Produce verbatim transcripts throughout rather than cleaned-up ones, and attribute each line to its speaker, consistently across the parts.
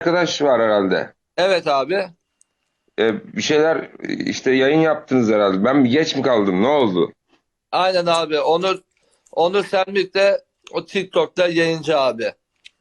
Speaker 1: Arkadaş var herhalde.
Speaker 2: Evet abi.
Speaker 1: Ee, bir şeyler işte yayın yaptınız herhalde. Ben bir geç mi kaldım? Ne oldu?
Speaker 2: Aynen abi. Onur Onur Selmik de o TikTok'ta yayıncı abi.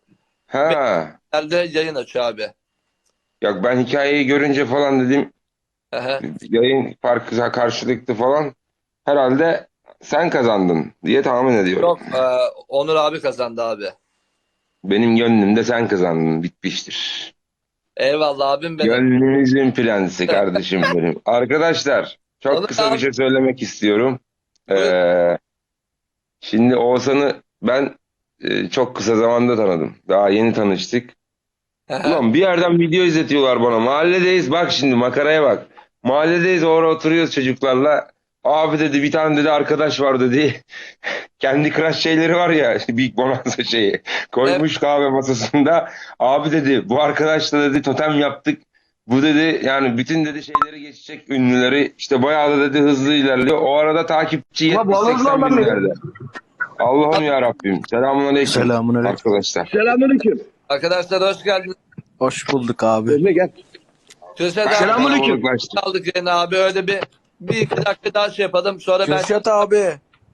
Speaker 1: Ha.
Speaker 2: Benim yayın açıyor abi.
Speaker 1: Ya ben hikayeyi görünce falan dedim
Speaker 2: Ehe.
Speaker 1: yayın farkı karşılıklı falan. Herhalde sen kazandın diye tahmin ediyorum.
Speaker 2: Yok, e, Onur abi kazandı abi.
Speaker 1: Benim gönlümde sen kazandın. Bitmiştir.
Speaker 2: Eyvallah abim benim.
Speaker 1: Gönlümüzün prensi kardeşim benim. Arkadaşlar çok
Speaker 2: Onur
Speaker 1: kısa bir
Speaker 2: abi
Speaker 1: şey söylemek istiyorum.
Speaker 2: buyur.
Speaker 1: Ee, şimdi Oğuzhan'ı ben e, çok kısa zamanda tanıdım. Daha yeni tanıştık.
Speaker 2: Ehe.
Speaker 1: Ulan bir yerden video izletiyorlar bana. Mahalledeyiz, bak şimdi makaraya bak. Mahalledeyiz, orada oturuyoruz çocuklarla. Abi dedi, bir tane dedi arkadaş var dedi. Kendi crush şeyleri var ya, Big Bonanza şeyi.
Speaker 2: Evet,
Speaker 1: Koymuş kahve masasında. Abi dedi, bu arkadaşla dedi totem yaptık. Bu dedi yani bütün dedi şeyleri geçecek, ünlüleri. İşte bayağı da dedi hızlı ilerliyor. O arada takipçi
Speaker 3: Ama bağladın lan
Speaker 1: yetmiş seksen
Speaker 3: ben beni.
Speaker 1: binlerde. Allah'ım ya Rabbim. Selamünaleyküm
Speaker 4: Selamünaleyküm.
Speaker 1: arkadaşlar.
Speaker 3: Selamünaleyküm.
Speaker 2: arkadaşlar hoş geldiniz.
Speaker 4: Hoş bulduk abi.
Speaker 3: Emre gel.
Speaker 2: Kürşat abi
Speaker 3: Selamünaleyküm.
Speaker 1: Kalabalıklaştık.
Speaker 2: aldık yayını abi. Öyle bir bir iki dakika daha şey yapalım. Sonra ben
Speaker 4: Kürşat abi,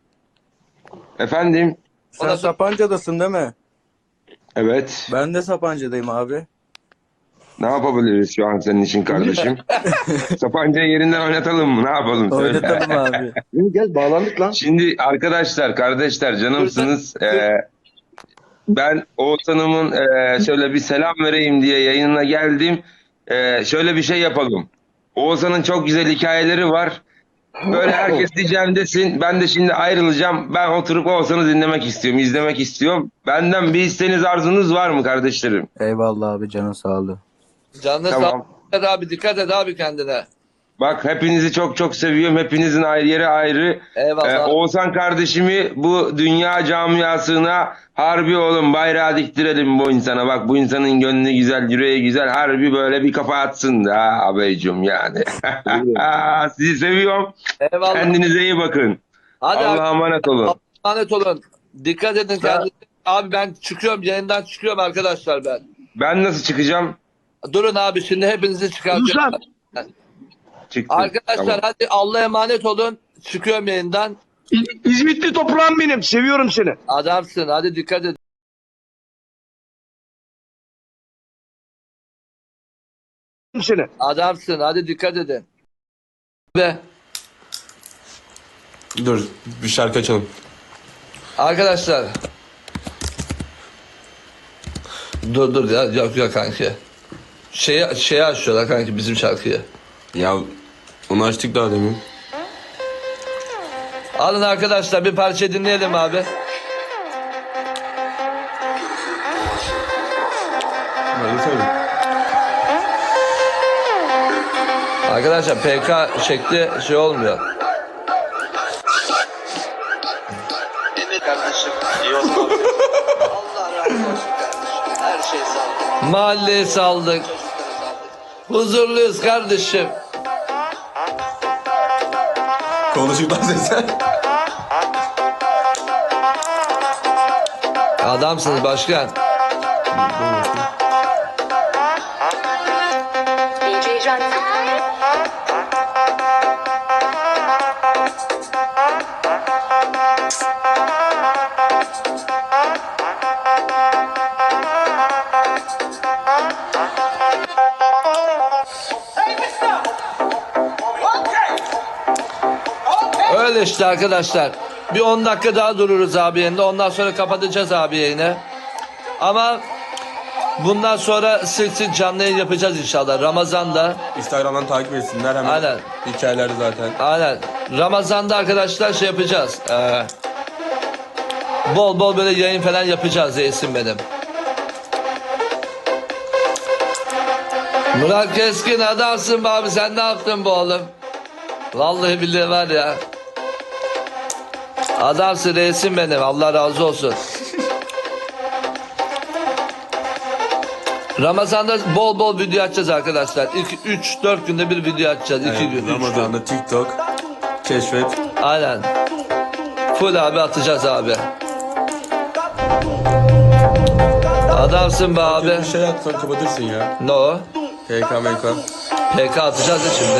Speaker 1: Efendim?
Speaker 4: sen
Speaker 2: ona sonra
Speaker 4: Sapanca'dasın değil mi?
Speaker 1: Evet.
Speaker 4: Ben de Sapanca'dayım abi.
Speaker 1: Ne yapabiliriz şu an senin için kardeşim? Sapanca'yı yerinden oynatalım mı? Ne yapalım? Söyle.
Speaker 4: Oynatalım abi.
Speaker 3: Emre gel bağlandık lan.
Speaker 1: Şimdi arkadaşlar, kardeşler,
Speaker 2: Kürşat,
Speaker 1: canımsınız. Ee, ben Oğuzhan'ımın e, şöyle bir selam vereyim diye yayınına geldim. Ee, şöyle bir şey yapalım. Oğuzhan'ın çok güzel hikayeleri var. Böyle herkes diyeceğim desin. Ben de şimdi ayrılacağım. Ben oturup Oğuzhan'ı dinlemek istiyorum, izlemek istiyorum. Benden bir isteğiniz, arzunuz var mı kardeşlerim?
Speaker 4: Eyvallah abi, canın sağlığı.
Speaker 2: canlı sağ
Speaker 1: Tamam.
Speaker 2: ol abi, dikkat et abi kendine.
Speaker 1: Bak hepinizi çok çok seviyorum. Hepinizin ayrı yeri ayrı. Ee,
Speaker 2: Eyvallah.
Speaker 1: Oğuzhan kardeşimi bu dünya camiasına harbi oğlum bayrağı diktirelim bu insana. Bak bu insanın gönlü güzel, yüreği güzel. Harbi böyle bir kafa atsın da abicim yani. Sizi seviyorum.
Speaker 2: Eyvallah.
Speaker 1: Kendinize iyi bakın.
Speaker 2: Hadi
Speaker 1: Allah'a emanet olun.
Speaker 2: Allah'a emanet olun. Dikkat edin
Speaker 1: Ben,
Speaker 2: kendinize. Abi ben çıkıyorum. Yayından çıkıyorum arkadaşlar ben.
Speaker 1: ben nasıl çıkacağım?
Speaker 2: Durun abi, şimdi hepinizi çıkartıyorum.
Speaker 3: Ruslan.
Speaker 1: Çıktım.
Speaker 2: Arkadaşlar
Speaker 1: Tamam.
Speaker 2: hadi Allah'a emanet olun. Çıkıyorum yayından.
Speaker 3: İz- İzmitli toprağım benim. Seviyorum seni.
Speaker 2: Adamsın. Hadi dikkat edin.
Speaker 3: Seni.
Speaker 2: Adamsın. Hadi dikkat edin. Ve
Speaker 5: Dur bir şarkı açalım.
Speaker 2: arkadaşlar. Dur dur ya. Yok yok kanki. Şeyi, şeyi açıyorlar kanki, bizim şarkıyı.
Speaker 5: Ya onu açtık daha demin.
Speaker 2: Alın arkadaşlar, bir parça dinleyelim abi.
Speaker 5: Hadi söyle.
Speaker 2: Arkadaşlar P K şekli şey olmuyor.
Speaker 6: Emir kardeşim, iyi olsun. Allah razı olsun kardeşim. Her şey sağ olun.
Speaker 2: Mahalleyi saldık.
Speaker 6: Çocukları saldık.
Speaker 2: Huzurluyuz kardeşim.
Speaker 5: Konuşuk lan sen.
Speaker 2: Adamsınız başkan.
Speaker 7: D J Johnson.
Speaker 2: Öyle işte arkadaşlar. Bir on dakika daha dururuz abi yayında. Ondan sonra kapatacağız abi yayını. Ama bundan sonra sık sık canlı yayın yapacağız inşallah. Ramazan'da.
Speaker 5: Instagram'dan takip etsinler hemen.
Speaker 2: Aynen.
Speaker 5: Hikayeleri zaten.
Speaker 2: Aynen. Ramazan'da arkadaşlar şey yapacağız. Ee, bol bol böyle yayın falan yapacağız Esin benim. Murat Keskin adamsın be abi, sen ne yaptın bu oğlum? Vallahi billahi var ya. Adamsın reisim benim, Allah razı olsun. Ramazan'da bol bol video açacağız arkadaşlar. üç dört günde bir video açacağız. iki
Speaker 5: Evet,
Speaker 2: gün, üç gün.
Speaker 5: Ramazan'da TikTok, keşfet.
Speaker 2: Aynen. Full abi atacağız abi. Adamsın be abi.
Speaker 5: Bir şey atsan kapatırsın ya.
Speaker 2: Ne o?
Speaker 5: P K M K.
Speaker 2: P K atacağız ya şimdi.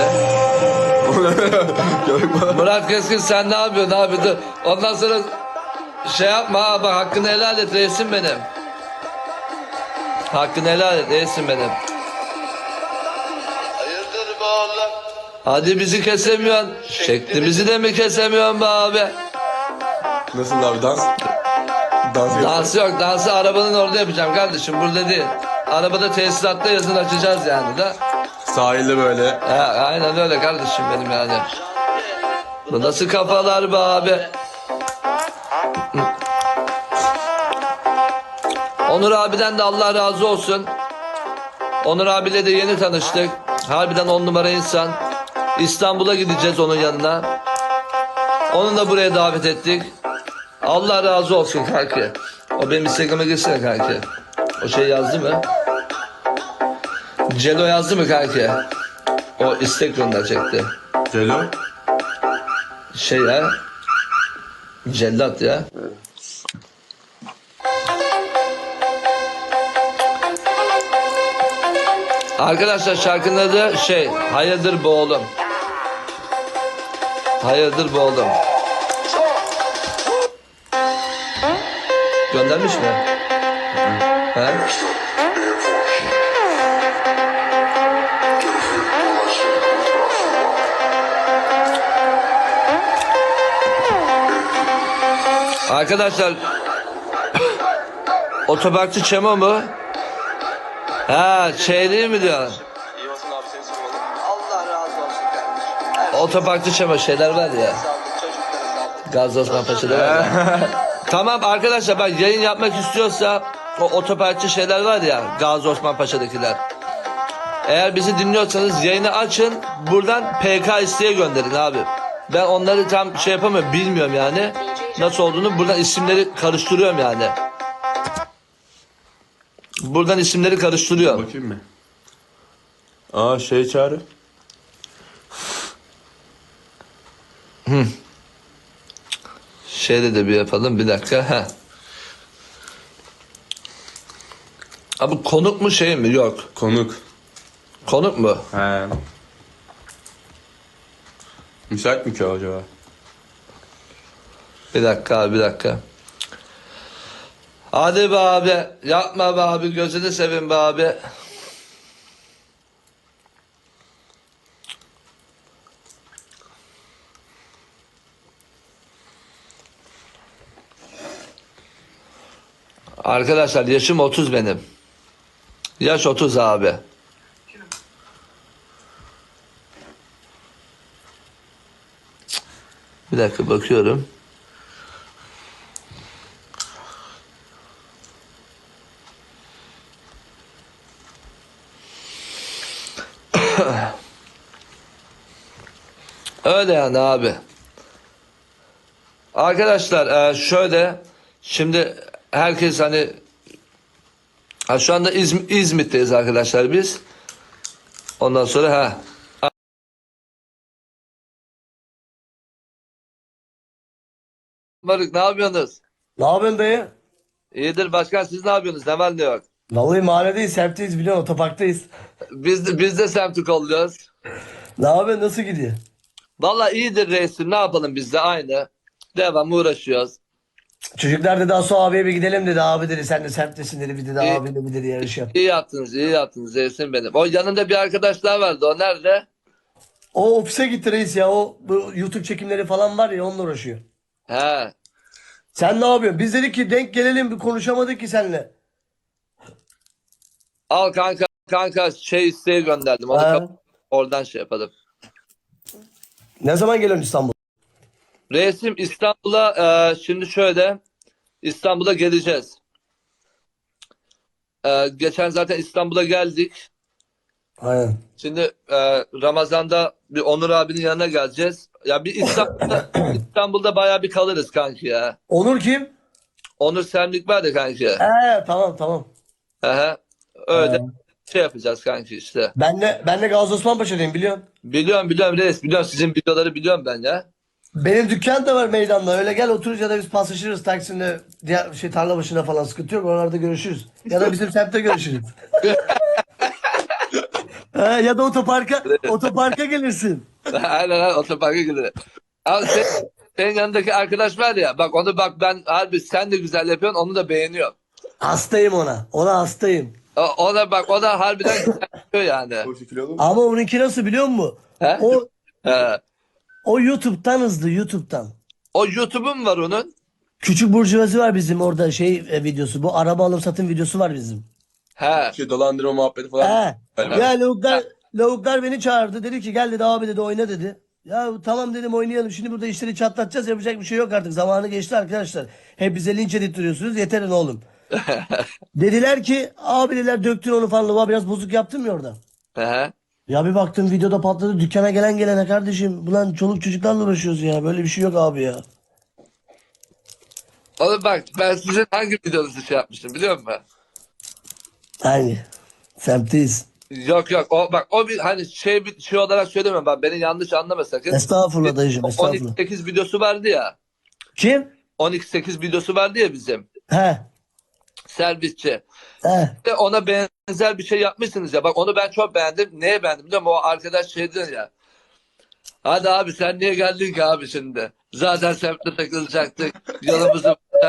Speaker 2: Murat Keskin sen ne yapıyorsun abi? Dur. Ondan sonra şey yapma ha, bak hakkını helal et reisim benim. Hakkını helal et reisim benim.
Speaker 6: Hayırdır be oğlum?
Speaker 2: Hadi bizi kesemiyorsun. Şeklimizi de mi kesemiyorsun be abi?
Speaker 5: Nasıl abi dans? Dans yapıyor.
Speaker 2: Dansı yok. Dansı arabanın orada yapacağım kardeşim. Burada değil. Arabada tesisatta yazın açacağız yani da.
Speaker 5: Sahilde böyle.
Speaker 2: Ha, aynen öyle kardeşim benim yani. Bu nasıl kafalar be abi? Onur abiden de Allah razı olsun. Onur abiyle de yeni tanıştık. Harbiden on numara insan. İstanbul'a gideceğiz onun yanına. Onu da buraya davet ettik. Allah razı olsun kanki. O benim Instagram'a girsene kanki. O şey yazdı mı? Celo yazdı mı kanki? O istek gönderecekti.
Speaker 5: Celo.
Speaker 2: Şey ya. Cellat ya. Arkadaşlar şarkının adı şey, hayırdır bu oğlum. Hayırdır bu oğlum. Göndermiş mi? He? Arkadaşlar otoparkçı Çemo mu? Ha şey değil mi diyor?
Speaker 6: İyi olsun abi seni sormalı. Allah razı olsun kardeşim. Her şey
Speaker 2: Otoparkçı Çemo şeyler var ya.
Speaker 6: sağlık, çocuklara sağlık.
Speaker 2: Gazi Osman Paşa'da var ya. Tamam arkadaşlar bak yayın yapmak istiyorsa o otoparkçı şeyler var ya Gazi Osman Paşa'dakiler. Eğer bizi dinliyorsanız yayını açın buradan P K isteğe gönderin abi. Ben onları tam şey yapamıyorum bilmiyorum yani. Nasıl olduğunu buradan isimleri karıştırıyorum yani. Buradan isimleri karıştırıyorum.
Speaker 5: Bakayım mı? Aa şey çağrı.
Speaker 2: Şeyde de bir yapalım bir dakika. Heh. Abi konuk mu şey mi? Yok.
Speaker 5: Konuk.
Speaker 2: Konuk mu?
Speaker 5: He. Müsait mi ki o acaba?
Speaker 2: Bir dakika abi bir dakika. Hadi be abi. Yapma be abi. Gözünü seveyim be abi. Arkadaşlar yaşım otuz benim. Yaş otuz abi. Bir dakika bakıyorum. Öyle yani abi. Arkadaşlar e, şöyle şimdi herkes hani ha, şu anda İzm İzmit'teyiz arkadaşlar biz. Ondan sonra ha Barık ne yapıyorsunuz?
Speaker 7: Ne yapıyorsun dayı?
Speaker 2: İyidir başkan siz ne yapıyorsunuz? Ne var ne yok?
Speaker 7: Vallahi mahalledeyiz, semtteyiz biliyorsun, otoparktayız.
Speaker 2: Biz de, biz de semti kolluyoruz.
Speaker 7: Ne yapıyorsun, nasıl gidiyor?
Speaker 2: Vallahi iyidir reisim ne yapalım biz de aynı. Devam uğraşıyoruz.
Speaker 7: Çocuklar dedi Asu abiye bir gidelim dedi. Abi dedi sen de semttesin dedi. Bir dedi
Speaker 2: İyi.
Speaker 7: abiyle bir dedi yarış yap.
Speaker 2: İyi yaptınız iyi yaptınız reisim benim. O yanında bir arkadaş daha vardı o nerede?
Speaker 7: O ofise gitti reis ya. O bu YouTube çekimleri falan var ya onunla uğraşıyor.
Speaker 2: He.
Speaker 7: Sen ne yapıyorsun? Biz dedik ki denk gelelim bir konuşamadık ki seninle.
Speaker 2: Al kanka kanka şey isteği gönderdim. Onu
Speaker 7: Ha.
Speaker 2: kap- oradan şey yapalım.
Speaker 7: Ne zaman geliyorsun İstanbul?
Speaker 2: Reisim İstanbul'a e, şimdi şöyle İstanbul'a geleceğiz. E, geçen zaten İstanbul'a geldik.
Speaker 7: Aynen.
Speaker 2: Şimdi e, Ramazan'da bir Onur abinin yanına geleceğiz. Ya bir İstanbul'da İstanbul'da bayağı bir kalırız kanki ya.
Speaker 7: Onur kim?
Speaker 2: Onur Semlik var ya kanki.
Speaker 7: He tamam tamam.
Speaker 2: Aha, öyle
Speaker 7: He.
Speaker 2: şey yapacağız kanki işte.
Speaker 7: Ben de ben de Gazi Osman Paşa'dayım biliyorsun.
Speaker 2: Biliyorum biliyorum reis biliyorum sizin videoları biliyorum ben ya.
Speaker 7: Benim dükkan da var meydanda. Öyle gel otururuz ya da biz paslaşırız Taksim'de diğer şey tarla başına falan sıkıntı yok. Oralarda görüşürüz. Ya da bizim semtte görüşürüz. Ha, ya da otoparka otoparka gelirsin.
Speaker 2: Aynen aynen otoparka gidelim. Abi sen, senin yanındaki arkadaş var ya bak onu bak ben harbi sen de güzel yapıyorsun onu da beğeniyor.
Speaker 7: Hastayım ona. Ona hastayım.
Speaker 2: O, ona bak o da harbiden güzel yapıyor yani.
Speaker 7: Ama onunki nasıl biliyor musun?
Speaker 2: He?
Speaker 7: O
Speaker 2: He.
Speaker 7: o YouTube'dan hızlı YouTube'dan.
Speaker 2: O YouTube'un var onun.
Speaker 7: Küçük burjuvazı var bizim orada şey e, videosu. Bu araba alım satım videosu var bizim.
Speaker 2: He.
Speaker 5: Şey dolandırma muhabbeti falan.
Speaker 7: He.
Speaker 5: Aynen.
Speaker 7: Ya lavuklar, lavuklar beni çağırdı. Dedi ki gel dedi abi dedi oyna dedi. Ya tamam dedim oynayalım. Şimdi burada işleri çatlatacağız. Yapacak bir şey yok artık. Zamanı geçti arkadaşlar. Hep bize linç edittiriyorsunuz. Yeterin oğlum. Dediler ki abi dediler döktün onu falan. Lavuğa biraz bozuk yaptın mı orada?
Speaker 2: He.
Speaker 7: Ya bir baktım videoda patladı. Dükkana gelen gelene kardeşim. Ulan çoluk çocuklarla uğraşıyoruz ya. Böyle bir şey yok abi ya.
Speaker 2: Oğlum bak ben sizin hangi videonuzu şey yapmıştım biliyor musun?
Speaker 7: Aynı. Semtteyiz.
Speaker 2: Yok yok o bak o bir hani şey bir şey olarak söylemiyorum bak beni yanlış anlama sakın.
Speaker 7: Estağfurullah dayıcım estağfurullah.
Speaker 2: on iki sekiz videosu vardı ya.
Speaker 7: Kim?
Speaker 2: on iki sekiz videosu vardı ya bizim.
Speaker 7: He.
Speaker 2: Servisçi.
Speaker 7: He.
Speaker 2: De ona benzer bir şey yapmışsınız ya. Bak onu ben çok beğendim. Neye beğendim biliyor musun? O arkadaş şey diyor ya. Hadi abi sen niye geldin ki abi şimdi? Zaten semtte takılacaktık. Yolumuzu bulacak.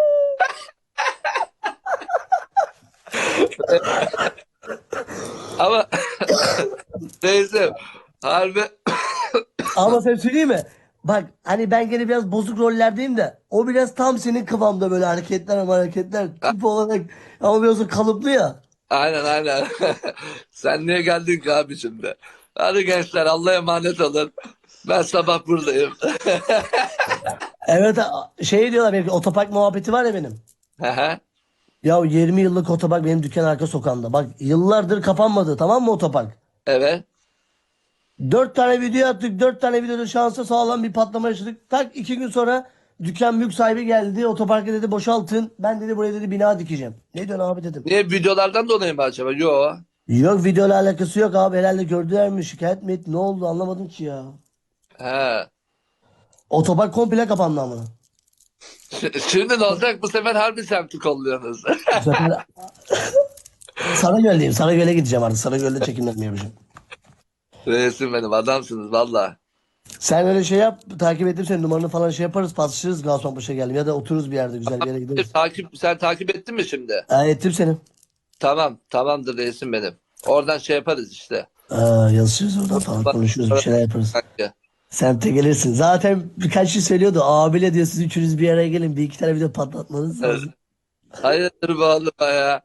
Speaker 2: Ama neyse. Harbi
Speaker 7: Ama sen söyleyeyim mi? Bak hani ben gene biraz bozuk rollerdeyim de o biraz tam senin kıvamda böyle hareketler ama hareketler tip olarak ama biraz o kalıplı ya.
Speaker 2: aynen aynen. Sen niye geldin ki abi şimdi? Hadi gençler Allah'a emanet olun. Ben sabah buradayım.
Speaker 7: Evet a- şey diyorlar belki otopark muhabbeti var ya benim.
Speaker 2: Hı.
Speaker 7: Ya yirmi yıllık otopark benim dükkan arka sokağımda. Bak yıllardır kapanmadı tamam mı otopark?
Speaker 2: Evet.
Speaker 7: Dört tane video attık. Dört tane videoda şansa sağlam bir patlama yaşadık. Tak iki gün sonra dükkan mülk sahibi geldi. Otoparkı dedi boşaltın. Ben dedi buraya dedi bina dikeceğim. Ne diyorsun abi dedim.
Speaker 2: Niye videolardan dolayı mı acaba? Yo.
Speaker 7: Yok videoyla alakası yok abi. Herhalde gördüler mi şikayet mi etti? Ne oldu anlamadım ki ya.
Speaker 2: He.
Speaker 7: Otopark komple kapandı ama.
Speaker 2: Ş- Şimdi ne olacak? Bu sefer harbi semti kolluyorsunuz.
Speaker 7: Bu sefer Sarıgöl'deyim. Sarıgöl'e gideceğim artık. Sarıgöl'de çekimlerimi yapacağım.
Speaker 2: Reisim benim adamsınız valla.
Speaker 7: Sen öyle şey yap. Takip ettim senin numaranı falan şey yaparız. Paslaşırız Gaziantep'e geldim. Ya da otururuz bir yerde güzel bir yere gideriz.
Speaker 2: Takip, sen takip ettin mi şimdi?
Speaker 7: Aa, ettim seni.
Speaker 2: Tamam. Tamamdır reisim benim. Oradan şey yaparız işte.
Speaker 7: Aa, yazışırız oradan falan konuşuruz bir şeyler yaparız.
Speaker 2: Kanka.
Speaker 7: Semte gelirsin. Zaten birkaç şey söylüyordu. Abiyle diyor siz üçünüz bir araya gelin. Bir iki tane video patlatmanız lazım.
Speaker 2: Hayırdır bu oğlum ya?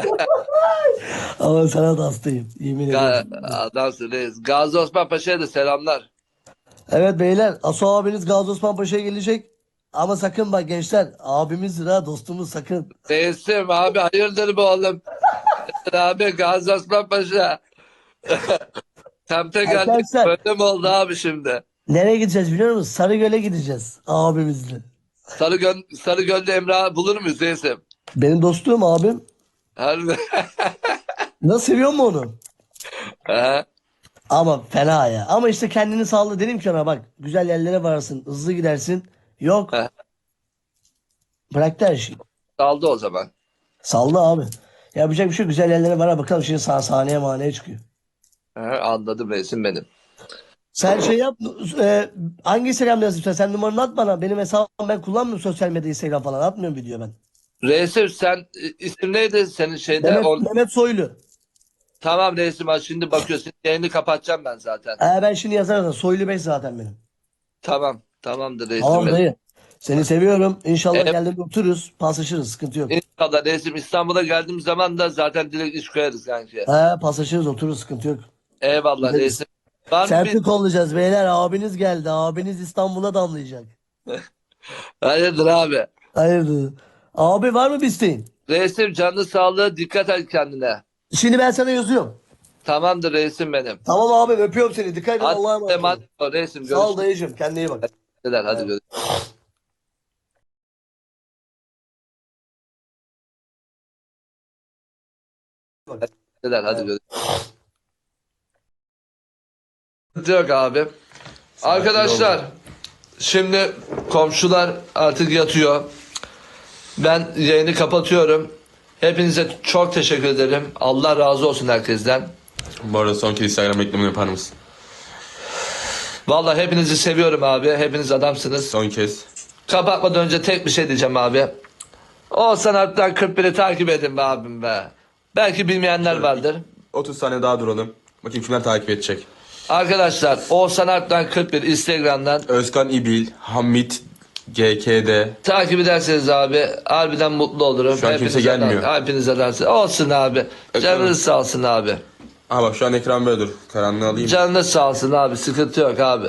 Speaker 7: Ama sana da hastayım. Yemin
Speaker 2: Ga-
Speaker 7: ederim.
Speaker 2: Adamsın reis. Gazi Osman Paşa'ya da selamlar.
Speaker 7: Evet beyler. Aso abiniz Gazi Osman Paşa'ya gelecek. Ama sakın bak gençler. Abimizdir ha dostumuz sakın.
Speaker 2: Reisim abi hayırdır bu oğlum? Abi Gazi Osman Paşa. Semte geldik.
Speaker 7: Arkadaşlar.
Speaker 2: Böyle mi oldu abi şimdi?
Speaker 7: Nereye gideceğiz biliyor musun? Sarıgöl'e gideceğiz. Abimizle.
Speaker 2: Sarıgöl, Sarıgöl'de Emrah bulur muyuz reisim?
Speaker 7: Benim dostum abim.
Speaker 2: Harbi.
Speaker 7: Nasıl seviyor mu onu?
Speaker 2: Aha.
Speaker 7: Ama fena ya. Ama işte kendini sağla dedim ki ona bak. Güzel yerlere varsın. Hızlı gidersin. Yok.
Speaker 2: Aha.
Speaker 7: Bıraktı her şeyi.
Speaker 2: Kaldı o zaman.
Speaker 7: Saldı abi. Yapacak bir şey yok. Güzel yerlere var. Bakalım şimdi sah sahneye maneye çıkıyor.
Speaker 2: Aha, anladım reisim benim.
Speaker 7: Sen şey yap. E, hangi Instagram'da yazayım sen? Sen numaranı at bana. Benim hesabım ben kullanmıyorum sosyal medya Instagram falan. Atmıyorum video ben.
Speaker 2: Reisim sen e, isim neydi senin şeyde?
Speaker 7: Mehmet,
Speaker 2: Or-
Speaker 7: Mehmet Soylu.
Speaker 2: Tamam reisim ha, şimdi bakıyorsun yayını kapatacağım ben zaten.
Speaker 7: Ee, ben şimdi yazarım. Soylu Bey zaten benim.
Speaker 2: Tamam. Tamamdır reisim
Speaker 7: Tamam
Speaker 2: benim.
Speaker 7: dayı. Seni seviyorum. İnşallah
Speaker 2: Evet.
Speaker 7: geldiğinde otururuz. Paslaşırız. Sıkıntı yok.
Speaker 2: İnşallah reisim İstanbul'a geldiğim zaman da zaten direkt iş koyarız kanki.
Speaker 7: He, paslaşırız otururuz. Sıkıntı yok.
Speaker 2: Eyvallah
Speaker 7: Gideriz.
Speaker 2: reisim. Var mı
Speaker 7: Semti
Speaker 2: bir...
Speaker 7: kollayacağız beyler. Abiniz geldi. Abiniz İstanbul'a damlayacak.
Speaker 2: Hayırdır abi?
Speaker 7: Hayırdır? Abi var mı bir isteğin?
Speaker 2: Reisim canlı sağlığı dikkat et kendine.
Speaker 7: Şimdi ben sana yazıyorum.
Speaker 2: Tamamdır reisim benim.
Speaker 7: Tamam abi öpüyorum seni. Dikkat et.
Speaker 2: Hadi
Speaker 7: Allah'a emanet ol.
Speaker 2: emanet ol reisim.
Speaker 7: Sağ ol
Speaker 2: Görüşürüz.
Speaker 7: dayıcım. Kendine iyi bak.
Speaker 2: Hadi görüşürüz. Hadi görüşürüz. Sıkıntı yok abi. Arkadaşlar Şimdi komşular artık yatıyor. Ben yayını kapatıyorum. Hepinize çok teşekkür ederim. Allah razı olsun herkesten.
Speaker 5: Bu arada son kez Instagram reklamını yapar mısın?
Speaker 2: Vallahi hepinizi seviyorum abi. Hepiniz adamsınız.
Speaker 5: Son kez.
Speaker 2: Kapatmadan önce tek bir şey diyeceğim abi. Oğuzhan Alp'ten kırk biri takip edin be abim be. Belki bilmeyenler vardır.
Speaker 5: otuz saniye daha duralım. Bakayım kimler takip edecek.
Speaker 2: Arkadaşlar Oğuzhan Alp'ten kırk bir Instagram'dan
Speaker 5: Özkan İbil, Hamit G K D.
Speaker 2: takip ederseniz abi harbiden mutlu olurum.
Speaker 5: Şu an kimse
Speaker 2: Hepinize
Speaker 5: gelmiyor.
Speaker 2: de- Hepinize dersin. Olsun abi. Canınız sağ olsun abi.
Speaker 5: Aha bak şu an ekran böyle dur. Karanlığı alayım.
Speaker 2: Canınız sağ olsun abi. Sıkıntı yok abi.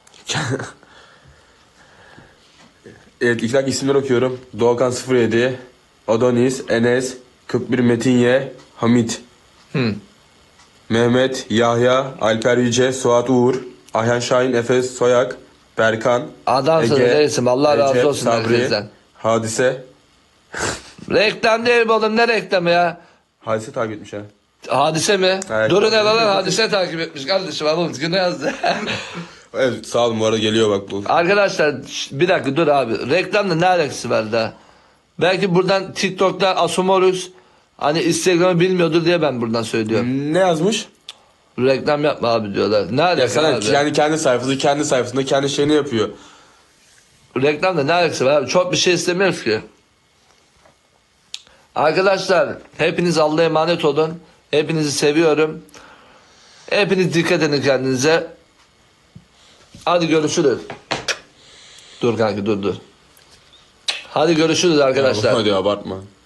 Speaker 5: Evet ilk dakika isimler okuyorum. Doğukan sıfır yedi, Adonis, Enes, kırk bir Metin Y, Hamit.
Speaker 2: Hı.
Speaker 5: Mehmet, Yahya, Alper Yüce, Suat Uğur, Ayhan Şahin, Efes Soyak, Berkan,
Speaker 2: Adamsınız reisim. Allah razı
Speaker 5: Recep,
Speaker 2: olsun
Speaker 5: Sabri,
Speaker 2: herkesten.
Speaker 5: Hadise.
Speaker 2: Reklam değil mi oğlum? Ne reklamı ya?
Speaker 5: Hadise takip etmiş ha.
Speaker 2: Hadise mi?
Speaker 5: Evet.
Speaker 2: Durun hele lan hadise takip etmiş kardeşim. Abi günü yazdı.
Speaker 5: Evet sağ olun bu arada geliyor bak bu.
Speaker 2: Arkadaşlar şş, bir dakika dur abi. Reklamla ne alakası var da? Belki buradan TikTok'ta Asumoruz hani Instagram'ı bilmiyordur diye ben buradan söylüyorum.
Speaker 5: Ne yazmış?
Speaker 2: Reklam yapma abi diyorlar. Ne
Speaker 5: Ya
Speaker 2: alakası
Speaker 5: sana
Speaker 2: abi?
Speaker 5: yani kendi sayfası kendi sayfasında kendi şeyini yapıyor.
Speaker 2: Reklamla ne alakası var abi? Çok bir şey istemiyoruz ki. Arkadaşlar hepiniz Allah'a emanet olun. Hepinizi seviyorum. Hepiniz dikkat edin kendinize. Hadi görüşürüz. Dur kanka dur dur. Hadi görüşürüz arkadaşlar.
Speaker 5: Hadi abartma.